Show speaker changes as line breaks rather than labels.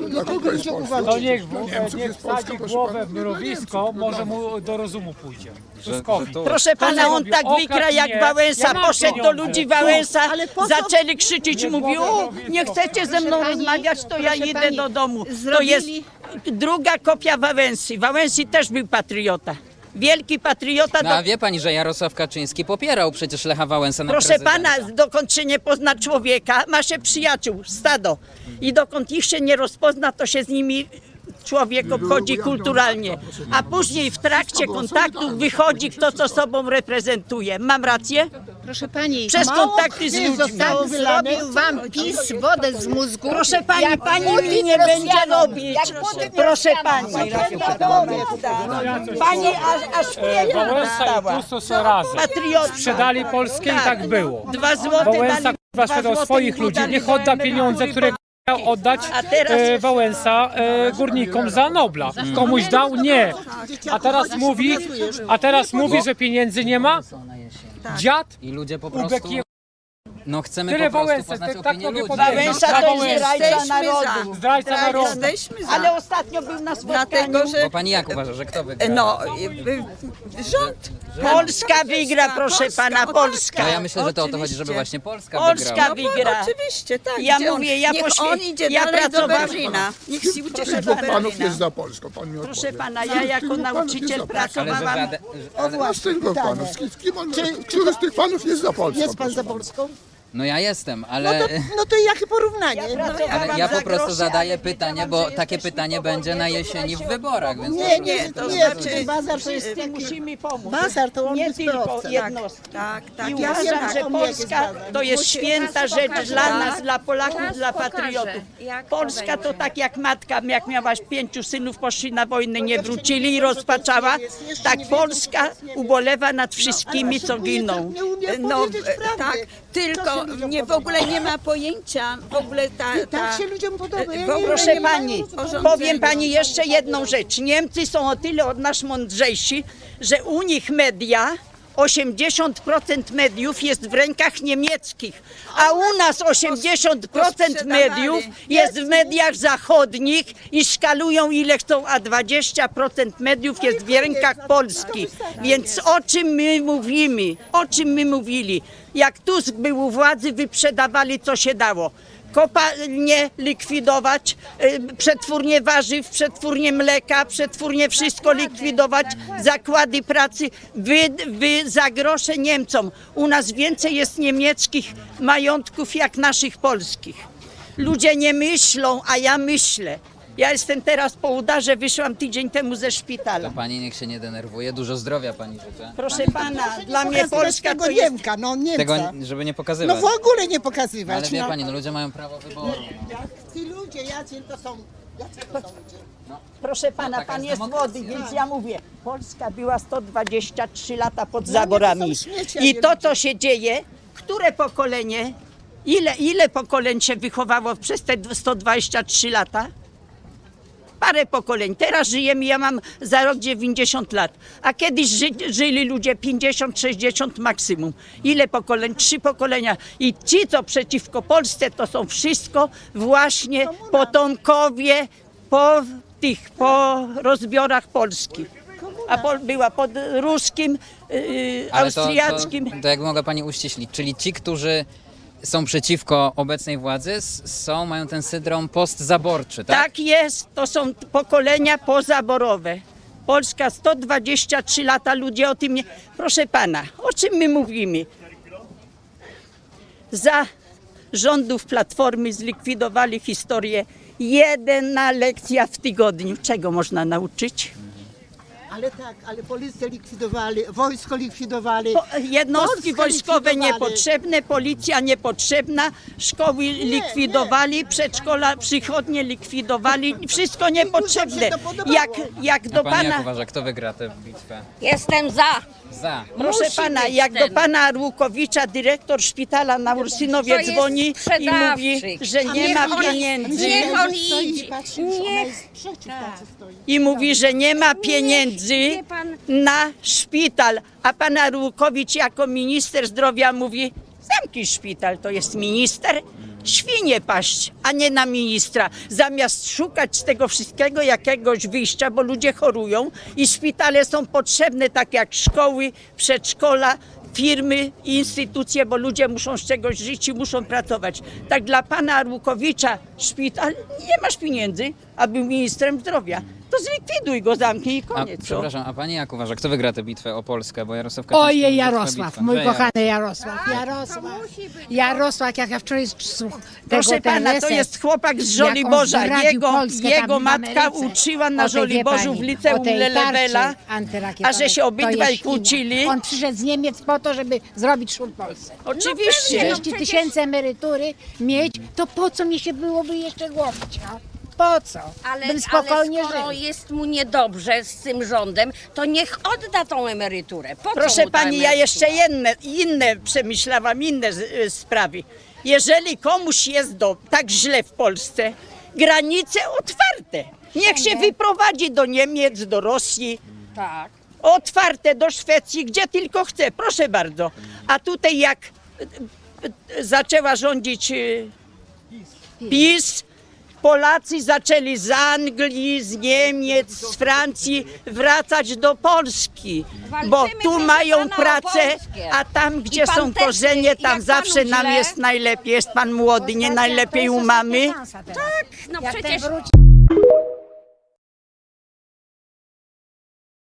Dla kogo jest Polska?
To niech
Niemców
niech
jest Polska,
wsadzi
proszę
głowę
pana.
w mrowisko, może mu do rozumu pójdzie. Tuskowi.
Proszę pana, on tak wykra jak Wałęsa,
Ja mam
poszedł do
pieniądze.
ludzi Wałęsa,
Ale po co-
zaczęli krzyczeć,
Nie
mówił,
było
o,
rowisko.
nie chcecie ze mną
Proszę pani,
rozmawiać, to ja
proszę
idę
pani,
do domu. To
zrobili-
jest druga kopia Wałęsy. Wałęsy też był patriota. Wielki patriota.
No a wie pani, że Jarosław Kaczyński popierał przecież Lecha Wałęsę na
Proszę
prezydenta.
pana, dokąd się nie pozna człowieka, ma się przyjaciół, stado. I dokąd ich się nie rozpozna, to się z nimi człowiek obchodzi kulturalnie. A później w trakcie kontaktów wychodzi kto, co sobą reprezentuje. Mam rację?
Proszę pani,
Przez
mało
kontakty z
krwi
ludźmi.
zostało wylane. Zrobił wam PiS wodę z mózgu.
Proszę pani,
jak
pani
Putin
mi nie będzie
Rosjanom,
robić.
jak Putin
Proszę
Rosjanom.
pani.
coś
Pani aż pieniądze
Wałęsa i
dostała.
Tusk są razem.
Patriota.
Sprzedali Polskę i tak było.
2 złote
Wałęsa
dali.
k***a sprzedał swoich ludzi, niech odda pieniądze, które miał oddać
A teraz-
Wałęsa górnikom za Nobla. Komuś dał? Nie. A teraz mówi, że pieniędzy nie ma? Dziad
I ludzie po
Ubek
prostu...
je...
No chcemy
Tyle
po prostu
Wałęsy,
poznać
tak
opinię
mogę
ludzi.
powiedzieć.
Wałęsa
Za
to jest
Wałęsę.
zdrajca narodu.
Zdrajca narodu.
Jesteśmy za.
Ale ostatnio był na spotkaniu.
Dlatego, że
Bo pani jak uważa, że kto wygra?
no, rząd.
Polska wygra, proszę pana, Polska.
No ja myślę, że to o to chodzi, żeby
Oczywiście.
właśnie Polska
Polska
wygrała.
wygra.
Oczywiście, tak.
Ja
Gdzie on-
mówię, ja
niech
poświe-
on idzie
ja
dalej do
pracowałam-
Berlina. Niech się ucieszy
Proszę
do
Dwóch panów
Berlina.
jest za Polską, pan mi
Proszę
odpowie.
pana, ja jako nauczyciel
Ale że
pracowałam.
żaden...
No z tych dwóch panów, który z tych panów jest za Polską?
Jest pan
proszę
za
pana?
Polską?
No ja jestem,
No
ale...
to jakie porównanie?
Ale ja po prostu zadaję pytanie, bo takie pytanie będzie na jesieni w wyborach, więc...
Nie,
to
nie,
znaczy-
bazar to jest
Wszyscy musimy pomóc.
Bazar to on
Nie
jest
tylko
proces.
jednostki.
Tak, tak.
I
ja
uważam,
wiem,
że
jak on jest
Polska
badany.
to jest święta rzecz dla
Tak.
nas, dla Polaków,
Teraz
dla
pokażę,
patriotów.
jak to
Polska to
będzie.
tak jak matka, jak miałaś 5 synów, poszli na wojnę, nie wrócili i rozpaczała. Tak Polska ubolewa nad wszystkimi, co giną.
Nie umie
No,
powiedzieć prawdy.
tak, tylko w ogóle nie ma pojęcia, w ogóle
Tak się ludziom podoba. Ja
w ogóle
nie
Proszę
nie ma
pani,
porządzenia.
powiem pani jeszcze jedną rzecz. Niemcy są o tyle od nas mądrzejsi, że u nich media 80% mediów jest w rękach niemieckich, a u nas 80% mediów jest w mediach zachodnich i szkalują ile chcą, a 20% mediów jest w rękach Polski. Więc o czym my mówimy? O czym my mówili? Jak Tusk był u władzy, wyprzedawali co się dało. Kopalnie likwidować, przetwórnie warzyw, przetwórnie mleka, przetwórnie wszystko likwidować, zakłady pracy, wy za grosze Niemcom. U nas więcej jest niemieckich majątków jak naszych polskich. Ludzie nie myślą, a ja myślę. Ja jestem teraz po udarze, wyszłam tydzień temu ze szpitala.
To pani niech się nie denerwuje, dużo zdrowia pani życzę.
Proszę pana, dla mnie Polska
tego
to jest...
Niemka, no Niemca.
Tego, żeby nie
No
pokazywać.
w ogóle nie
Ale
pokazywać.
wie
No.
pani, no ludzie mają prawo wyboru.
Ci ludzie, jacy to są ludzie?
Proszę pana,
taka
pan
jest
jest
demokracja.
młody, więc ja mówię, Polska była 123 lata pod
nie,
zaborami.
to są śmieci, a
I
nie
to,
ludzie.
co się dzieje, które pokolenie, ile pokoleń się wychowało przez te 123 lata? Parę pokoleń. Teraz żyjemy, ja mam za rok 90 lat. A kiedyś żyli ludzie 50, 60 maksimum. Ile pokoleń? 3 pokolenia. I ci, co przeciwko Polsce, to są wszystko właśnie potomkowie po rozbiorach Polski. A była pod ruskim,
Ale
austriackim.
to jak mogę pani uściślić, czyli ci, którzy są przeciwko obecnej władzy, mają ten syndrom postzaborczy, tak?
Tak jest, to są pokolenia pozaborowe. Polska 123 lata, ludzie o tym nie... Proszę pana, o czym my mówimy? Za rządów Platformy zlikwidowali historię. Jedna lekcja w tygodniu. Czego można nauczyć?
Ale tak, ale policję likwidowali, wojsko likwidowali.
Jednostki
Polskę
wojskowe
likwidowali.
niepotrzebne, policja niepotrzebna, szkoły likwidowali, przedszkola, przychodnie likwidowali, wszystko niepotrzebne.
się to podobało.
Jak
A
do
pani jak
pana...
uważa, kto wygra tę bitwę?
Jestem za.
Za.
Proszę
Musi
pana,
być
jak do
ten.
pana Łukowicza, dyrektor szpitala na Ursynowie
To jest
dzwoni i mówi,
sprzedawczyk.
że nie ma pieniędzy.
Niech on
Stoi i
idzie.
patrzy, ona jest przeciw tacy stoi.
I mówi, że nie ma pieniędzy
wie pan-
na szpital. A pan Arłukowicz jako minister zdrowia mówi, zamknij szpital, to jest minister. świnie paść, a nie na ministra. Zamiast szukać z tego wszystkiego jakiegoś wyjścia, bo ludzie chorują i szpitale są potrzebne, tak jak szkoły, przedszkola, firmy i instytucje, bo ludzie muszą z czegoś żyć i muszą pracować. Tak dla pana Arłukowicza szpital, nie masz pieniędzy, a był ministrem zdrowia. To zlikwiduj go, zamknij i
A,
koniec. no.
przepraszam, a pani jak uważa, kto wygra tę bitwę o Polskę? Bo Jarosław Kaczyński...
Ojej,
mówi, że trwa
Jarosław,
bitwa.
mój
Że
kochany Jarosław. Jarosław, jak ja wczoraj słucham
Proszę pana, to jest chłopak z Żoliborza. Jego matka uczyła na Żoliborzu w liceum Lelewela, a że się obydwaj kłócili.
On przyszedł z Niemiec po to, żeby zrobić szum Polsce.
Oczywiście.
30 000 emerytury mieć, to po co mi się byłoby jeszcze głowić? No? Po co? Bym spokojnie
ale skoro
żył.
jest mu niedobrze z tym rządem, to niech odda tą emeryturę. Po co
Proszę
mu ta
pani, ja
emerytura?
jeszcze inne przemyślałam, inne sprawy. Jeżeli komuś jest tak źle w Polsce, granice otwarte. Niech się wyprowadzi do Niemiec, do Rosji.
Tak.
Otwarte do Szwecji, gdzie tylko chce, proszę bardzo. A tutaj jak zaczęła rządzić PiS, Polacy zaczęli z Anglii, z Niemiec, z Francji wracać do Polski, bo
Walczymy,
tu
proszę
mają
pana, o
pracę,
Polskę.
a tam, gdzie
pan
są
też,
korzenie,
jak
tam
panu
zawsze nam
źle?
jest najlepiej. Jest pan młody, nie najlepiej u mamy.
No
Jak
przecież
ten wróci...